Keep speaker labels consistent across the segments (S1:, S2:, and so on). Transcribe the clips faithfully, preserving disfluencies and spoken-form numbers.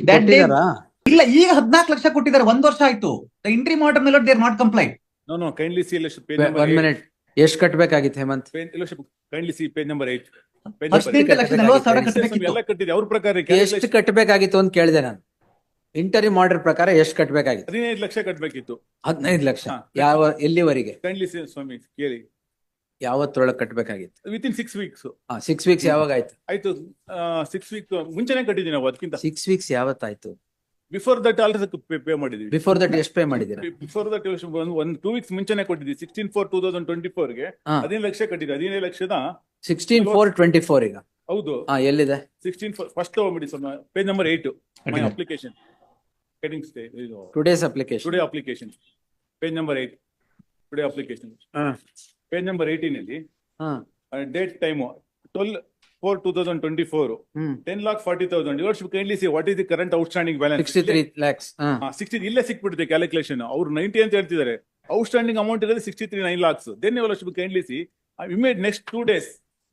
S1: That day-
S2: ಕೊಟ್ಟಿದಾರಾ?
S1: ಇಲ್ಲ, ಈಗ ಹದಿನಾಲ್ಕು ಲಕ್ಷ ಕೊಟ್ಟಿದ್ದಾರೆ, ಒಂದ್ ವರ್ಷ ಆಯ್ತು. ದ ಇಂಟ್ರಿ ಆರ್ಡರ್ ಮೇಲೆ they are not complaint.
S3: No, no, kindly see Your Worship, page number
S2: one
S3: eight.
S2: Minute, ಎಷ್ಟ್ ಕಟ್ಬೇಕಾಗಿತ್ತು Hemant?
S3: Page- Your Worship, kindly see page number eight. Page number
S1: ಹದಿನೆಂಟು
S3: eight.
S1: ಲಕ್ಷ ನಲವತ್ತು ಸಾವಿರ
S3: Yes, sir,
S1: ಕಟ್ಟಬೇಕಿತ್ತು.
S3: ಎಲ್ಲ ಕಟ್ಟಿದೆ ಅವ್ರ ಪ್ರಕಾರ
S2: ಎಷ್ಟು
S3: calculation
S2: ಕಟ್ಬೇಕಾಗಿತ್ತು ಅಂತ ಕೇಳಿದೆ ನಾನು. ಇಂಟರಿಮ್ ಆರ್ಡರ್ ಪ್ರಕಾರ ಎಷ್ಟು ಕಟ್ಬೇಕಾಗಿತ್ತು?
S3: ಹದಿನೈದು ಲಕ್ಷ ಕಟ್ಟಬೇಕಿತ್ತು.
S2: ಹದಿನೈದು ಲಕ್ಷ.
S3: ಹಾ.
S2: ಯಾವ ಎಲ್ಲಿವರೆಗೆ?
S3: Kindly see ಸ್ವಾಮಿ ಕೇಳಿ.
S2: ಯಾವತ್ತೊಳಗೆ ಕಟ್ಬೇಕಾಗಿತ್ತು?
S3: Within six weeks
S2: six weeks ಯಾವಾಗ ಆಯ್ತು?
S3: ಆಯ್ತು. ಸಿಕ್ಸ್ ವೀಕ್ ಮುಂಚೆನೆ ಕಟ್ಟಿದ್ದೀವಿ ನಾವು, ಅದಕ್ಕಿಂತ
S2: ಸಿಕ್ಸ್ ವೀಕ್ಸ್ ಯಾವತ್ತಾಯ್ತು?
S3: ಬಿಫೋರ್ ದಟ್ ಆಲ್ರೆಡಿ ಪೇ ಮಾಡಿದ್ವಿ.
S2: ಬಿಫೋರ್ ದಟ್ ಎಷ್ಟು ಪೇ ಮಾಡಿದ್ದೀರಾ?
S3: ಬಿಫೋರ್ ದಟ್ ಒಂದ್ ಟೂ ವೀಕ್ಸ್ ಮುಂಚೆನೆ ಕೊಟ್ಟಿದ್ವಿ. Sixteen four two thousand twenty four ಗೆ
S2: ಹಾ.
S3: ಹದಿನೈದು ಲಕ್ಷ ಕಟ್ಟಿದ್ವಿ. ಹದಿನೈದು ಲಕ್ಷದ
S2: ಸಿಕ್ಸ್ಟೀನ್ ಫೋರ್ ಟ್ವೆಂಟಿ ಫೋರ್ ಈಗ.
S3: ಹೌದು.
S2: ಹಾ, ಎಲ್ಲಿದೆ?
S3: ಸಿಕ್ಸ್ಟೀನ್ ಫಸ್ಟ್ ತಗೊಂಬಿಡಿ ಸ್ವಲ್ಪ, page number eight my application heading stay
S2: today's application.
S3: Today application page number eight today application page number eighteen ಅಲ್ಲಿ date time twelve four two thousand twenty four ten lakh forty thousand. Your worship kindly see what is the current outstanding balance.
S2: Sixty three lakhs.
S3: Sixty ಇಲ್ಲೇ ಸಿಕ್ಬಿಡುತ್ತೆ calculation. ಅವ್ರು ninety ಅಂತ ಹೇಳ್ತಿದ್ದಾರೆ, outstanding amount ಇರೋದು sixty three nine lakhs. Then your worship kindly see ಇಮೇಡ್ next two days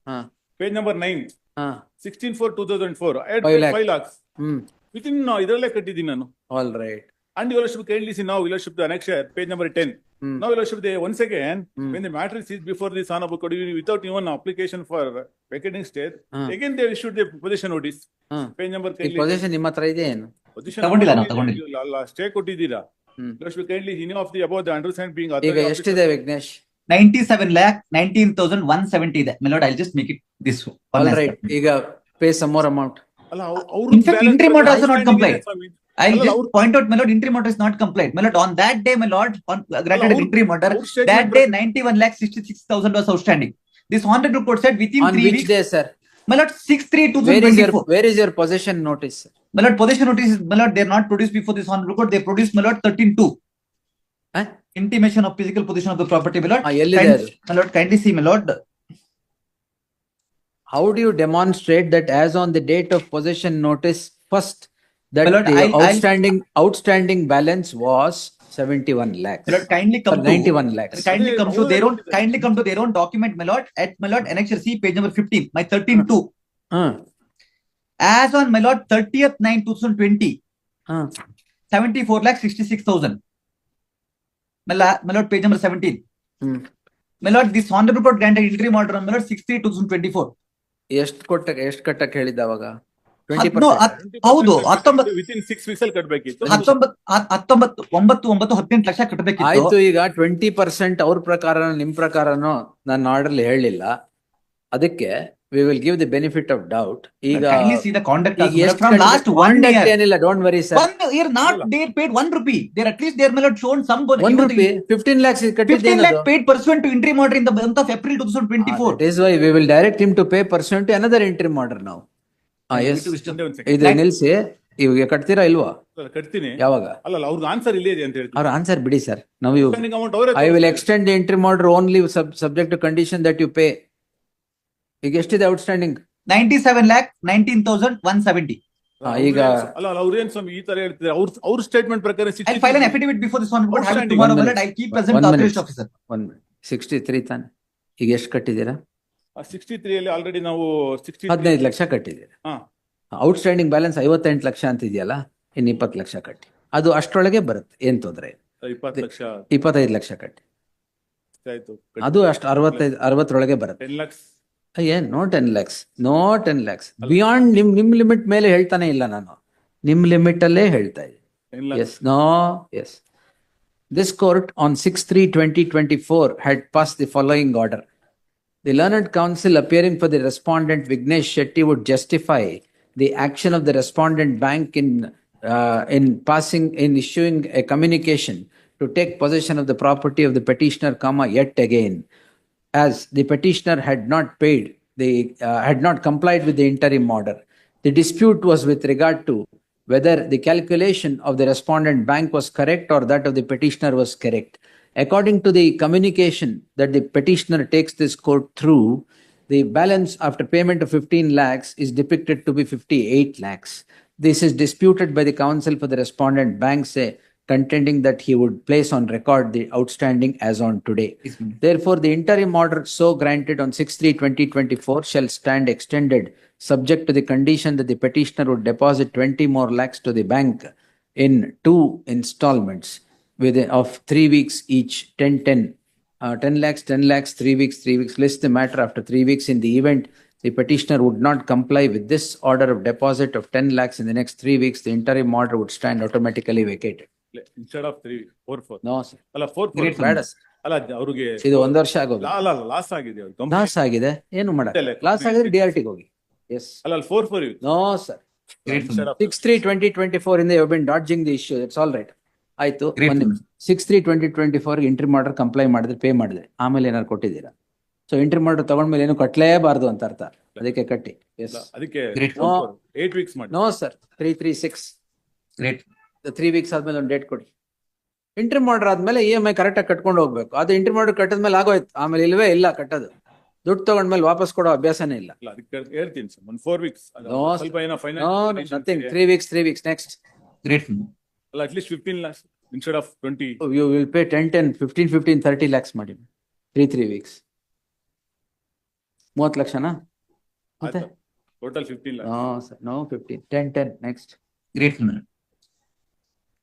S3: page number nine sixteen four two thousand four five lakhs within ಇದರಲ್ಲೇ ಕಟ್ಟಿದ್ದೀನಿ ನಾನು.
S2: All right.
S3: And your worship kindly see now, your worship the annexure, page number ten.
S2: Hmm.
S3: Now your worship, they once again,
S2: Hmm.
S3: when the matter is seized before the son of a code, without even application for vacating state,
S2: Hmm.
S3: again they issued the possession notice.
S2: Hmm.
S3: Page number
S2: ಈ
S3: kindly.
S2: Position ನಿಮ್ಮ ಹತ್ರ ಇದೆ ಏನು?
S3: Position
S1: ತಗೊಂಡಿಲ್ಲ
S3: number
S1: ನಾವು, ತಗೊಂಡಿಲ್ಲ.
S3: stay ಕೊಟ್ಟಿದ್ದೀರಾ.
S2: Hmm.
S3: Your worship kindly, he knew of the above the understand being
S2: ಈಗ
S3: authorized.
S2: ಎಷ್ಟಿದೆ Vignesh?
S1: Ninety seven lakh nineteen thousand one seventy ಇದೆ. My lord, I'll just make it this one.
S2: All right. ಈಗ pay some more amount.
S3: ಅಲ್ಲ, ಅವ್ರು- ಅವ್ರು
S1: In fact,
S3: balance
S1: interim order also not
S3: outstanding
S1: compliant.
S3: ಇದೆ ಸ್ವಾಮಿ.
S1: I'll
S3: ಅಲ್ಲ,
S1: just
S3: ಅವ್ರು-
S1: point out, my lord, interim order is not compliant. My lord, on that day, my lord, on uh, granted an
S3: ಅವ್ರು-
S1: interim order,
S3: ಅವ್ರು statement
S1: that day
S3: ಪ್ರಕಾರ-
S1: ninety-one lakh sixty-six thousand was outstanding. This honorable court said within
S2: on
S1: three
S2: which
S1: weeks,
S2: day sir?
S1: my lord, six three two
S2: where
S1: thousand
S2: is year
S1: twenty-four.
S2: Where is your possession notice?
S1: My lord, possession notice is, my lord, they are not produced before this honorable court. They produced, my lord, thirteen two. Intimation of physical position of the property, my lord.
S2: ಎಲ್ಲಿದೆ
S1: Kind-
S2: ಅದು?
S1: My lord, kindly see, my lord.
S2: How do you demonstrate that as on the date of possession notice first that
S1: My lord,
S2: the
S1: I'll- I'll-
S2: outstanding outstanding balance was seventy-one lakhs?
S1: My lord, kindly
S2: Or
S1: come to.
S2: ninety-one lakhs.
S1: Kindly come to their own, kindly come to their own document, my lord, at my lord, annexure C, page number fifteen, my thirteen two.
S2: Uh,
S1: As on my lord, thirtieth nine two thousand twenty,
S2: uh,
S1: seventy-four lakh sixty-six thousand. My la- my lord, page number seventeen.
S2: hmm.
S1: My lord, this honorable court granted interim order on my lord, six three two thousand twenty-four.
S2: ಎಷ್ಟ್ ಕೊಟ್ಟ ಎಷ್ಟ್ ಕಟ್ಟಕ್ ಹೇಳಿದ್ದ ಅವಾಗ? Twenty
S1: ಹತ್- no, ಹತ್- ಹೌದು, ಹತ್ತೊಂಬತ್ತು-
S3: ವಿತ್ ಇನ್ ಸಿಕ್ಸ್ ವೀಕ್ಸ್ ಅಲ್ಲಿ ಕಟ್ಟಬೇಕಿತ್ತು.
S1: ಹತ್ತೊಂಬತ್ತು ಹ- ಹತ್ತೊಂಬತ್ತು ಒಂಬತ್ತು ಒಂಬತ್ತು ಹದಿನೆಂಟು ಲಕ್ಷ ಕಟ್ಟಬೇಕಿತ್ತು.
S2: ಆಯ್ತು. ಈಗ ಟ್ವೆಂಟಿ ಪರ್ಸೆಂಟ್ ಅವ್ರ ಪ್ರಕಾರ ನಿಮ್ ಪ್ರಕಾರನೋ ನನ್ನ ಆರ್ಡರ್ ಹೇಳಿಲ್ಲ, ಅದಕ್ಕೆ we will give the benefit of doubt. ಈಗ
S1: Kindly see the conduct
S2: ಈಗ
S1: as well
S2: ಎಷ್ಟ್
S1: from last one
S2: conduct
S1: year.
S2: ಏನಿಲ್ಲ, don't worry sir.
S1: One year not they paid one rupee. They're at least they're my lord shown some bonus.
S2: One rupee fifteen lakhs
S1: fifteen
S2: ಕಟ್ಟಿದ್ದೇನದು?
S1: lakh paid pursuant to interim order in the month of April two thousand twenty-four.
S2: That is why we will direct him to pay pursuant to another interim order now. Ah, yes.
S3: ಒಂದೇ ಒಂದ್ second.
S2: ಇದು ನಿಲ್ಸಿ. ಇವಾಗ ಕಟ್ತೀರಾ ಇಲ್ವಾ?
S3: ಅಲ್ಲ, ಕಟ್ತೀನಿ.
S2: ಯಾವಾಗ?
S3: ಅಲ್ಲ, ಅಲ್ಲ, ಅವ್ರದ್ದು ಆನ್ಸರ್ ಇಲ್ಲೇ ಇದೆ ಅಂತ ಹೇಳ್ತೀನಿ.
S2: ಅವ್ರ ಆನ್ಸರ್ ಬಿಡಿ ಸರ್. ನಾವು ಯು
S3: Outstanding amount ಅವರೇ
S2: ಐ ವಿಲ್
S3: ತೋರಿಸ್ತಾರೆ.
S2: Extend the interim order only subject to condition that you pay. ಈಗ ಎಷ್ಟಿದೆ outstanding?
S1: ninety-seven lakh nineteen thousand one seventy.
S2: ಹಾ, ಈಗ
S3: ಅಲ್ಲ, ಅಲ್ಲ, ಅವ್ರೇನ್ ಸ್ವಾಮಿ ಈ ತರ ಹೇಳ್ತಿದ್ದಾರೆ? ಅವ್ರ ಅವ್ರ ಸ್ಟೇಟ್ಮೆಂಟ್ ಪ್ರಕಾರ
S1: I'll file an affidavit before this one. Have it
S3: Outstanding.
S1: tomorrow,
S2: One
S1: my
S2: minute.
S1: lord. I'll keep present
S2: One
S1: the
S2: minute.
S1: authorized officer.
S2: One sixty three ತಾನೆ? ಈಗ ಎಷ್ಟು ಕಟ್ಟಿದ್ದೀರಾ?
S3: ಸಿಕ್ಸ್ಟಿ ತ್ರೀ ಅಲ್ಲಿ ಆಲ್ರೆಡಿ ನಾವು ಸಿಕ್ಸ್ಟಿ
S2: ಹದಿನೈದು ಲಕ್ಷ ಕಟ್ಟಿದ್ದೀರಾ.
S3: ಹಾ
S2: ಔಟ್ಸ್ಟ್ಯಾಂಡಿಂಗ್ ಬ್ಯಾಲೆನ್ಸ್ ಐವತ್ತೆಂಟು ಲಕ್ಷ ಅಂತಿದೆಯಲ್ಲ, ಇನ್ನು ಇಪ್ಪತ್ತು ಲಕ್ಷ ಕಟ್ಟಿ. ಅದು ಅಷ್ಟರೊಳಗೆ ಬರುತ್ತೆ, ಏನ್ ತೊಂದರೆ ಇಲ್ಲ.
S3: ಇಪ್ಪತ್ತು ಲಕ್ಷ
S2: ಇಪ್ಪತ್ತೈದು ಲಕ್ಷ ಕಟ್ಟಿ.
S3: ಆಯ್ತು.
S2: ಅದು ಅಷ್ಟು ಅರವತ್ತೈದು ಅರವತ್ತರೊಳಗೆ ಬರುತ್ತೆ.
S3: ಟೆನ್ ಲ್ಯಾಕ್ಸ್
S2: ಏನ್ no ten lakhs no ten lakhs beyond ನಿಮ್ ನಿಮ್ ಲಿಮಿಟ್ ಮೇಲೆ ಹೇಳ್ತಾನೆ ಇಲ್ಲ ನಾನು, ನಿಮ್ ಲಿಮಿಟ್ ಅಲ್ಲೇ ಹೇಳ್ತಾ ಇದ್ದೀನಿ.
S3: Ten lakhs
S2: yes no yes This court on six three twenty twenty-four had passed the following order. The learned counsel appearing for the respondent Vignesh Shetty would justify the action of the respondent bank in uh, in passing in issuing a communication to take possession of the property of the petitioner, comma, yet again, as the petitioner had not paid the uh, had not complied with the interim order. The dispute was with regard to whether the calculation of the respondent bank was correct or that of the petitioner was correct. According to the communication that the petitioner takes this court through, the balance after payment of fifteen lakhs is depicted to be fifty-eight lakhs. This is disputed by the counsel for the respondent bank, say, contending that he would place on record the outstanding as on today.
S1: Yes, my lord.
S2: Therefore, the interim order so granted on six three twenty twenty-four shall stand extended, subject to the condition that the petitioner would deposit twenty more lakhs to the bank in two installments within of three weeks each, ten ten. Uh, ten lakhs, ten lakhs, three weeks, three weeks. List the matter after three weeks. In the event the petitioner would not comply with this order of deposit of ten lakhs in the next three weeks, the interim order would stand automatically vacated.
S3: Instead of three four four
S2: No, sir.
S3: ಅಲ್ಲ four
S1: Great,
S3: four
S2: ಬೇಡ sir.
S3: ಅಲ್ಲ ಅವ್ರಿಗೆ
S2: ಇದು ಒಂದ್ ವರ್ಷ ಆಗೋದು.
S3: ಅಲ್ಲ ಅಲ್ಲ ಲಾಸ್ ಆಗಿದೆ ಅವ್ರಿಗೆ. Company-
S2: ಲಾಸ್ ಆಗಿದೆ, ಏನು ಮಾಡ
S3: ಇಲ್ಲ,
S2: ಲಾಸ್ ಆಗಿದ್ರೆ ಡಿ ಆರ್ ಟಿಗೆ ಹೋಗಿ. ಎಸ್.
S3: ಅಲ್ಲ ಅಲ್ಲಿ four four
S2: no sir.
S1: Great,
S3: Instead of-
S2: six three twenty twenty four ಇಂದ you been dodging the issue. It's all right. ಆಯ್ತು.
S1: Great, sir.
S2: ಸಿಕ್ಸ್ ತ್ರೀ ಟ್ವೆಂಟಿ ಟ್ವೆಂಟಿ ಫೋರ್ ಎಂಟ್ರಿ ಮಾಡರ್ ಕಂಪ್ಲೈ ಮಾಡಿದ್ರೆ ಪೇ ಮಾಡಿದ್ರೆ ಆಮೇಲೆ ಏನಾರು ಕೊಟ್ಟಿದ್ದೀರಾ? ಸೊ ಎಂಟ್ರಿ ಮಾಡರ್ ತಗೊಂಡ್ಮೇಲೆ ಏನು ಕಟ್ಟಲೇಬಾರ್ದು ಅಂತ ಅರ್ಥ. ಅದಕ್ಕೆ ಕಟ್ಟಿ. ಎಸ್.
S3: ಅದಕ್ಕೆ
S1: Great.
S3: ಏಟ್ ವೀಕ್ಸ್ ಮಾಡಿ.
S2: No sir. Three three six
S1: Great.
S2: Three weeks ಆದ್ಮೇಲೆ ಒಂದು ಡೇಟ್ ಕೊಡಿ. ಎಂಟ್ರಿ ಮಾಡರ್ ಆದ್ಮೇಲೆ ಇ ಎಂ ಐ ಕರೆಕ್ಟ್ ಆಗಿ ಕಟ್ಕೊಂಡು ಹೋಗ್ಬೇಕು. ಅದು ಎಂಟ್ರಿ ಮಾಡರ್ ಕಟ್ಟಿದ್ಮೇಲೆ ಆಗೋಯ್ತು. ಆಮೇಲೆ ಇಲ್ವೇ ಇಲ್ಲ ಕಟ್ಟೋದು. ದುಡ್ಡು ತಗೊಂಡ್ಮೇಲೆ ವಾಪಸ್ ಕೊಡೋ ಅಭ್ಯಾಸನೇ ಇಲ್ಲ.
S3: ಅಲ್ಲ ಅದಕ್ಕೆ ಹೇಳ್ತೀನಿ ಸರ್ ಒಂದು ಫೋರ್ ವೀಕ್ಸ್
S2: No,
S3: ಸ್ವಲ್ಪ ಏನೋ
S2: no
S3: finance
S2: nothing. Three weeks three weeks next.
S1: Great.
S3: ಅಲ್ಲ at least fifteen lakhs instead of twenty.
S2: You will pay ten ten fifteen fifteen thirty lakhs ಮಾಡಿ. ತ್ರೀ ತ್ರೀ ವೀಕ್ಸ್ ಮೂವತ್ತು ಲಕ್ಷನಾ? ಮತ್ತೆ
S3: total fifteen lakhs.
S2: No sir, no fifteen, ten ten next.
S1: Great. my lord.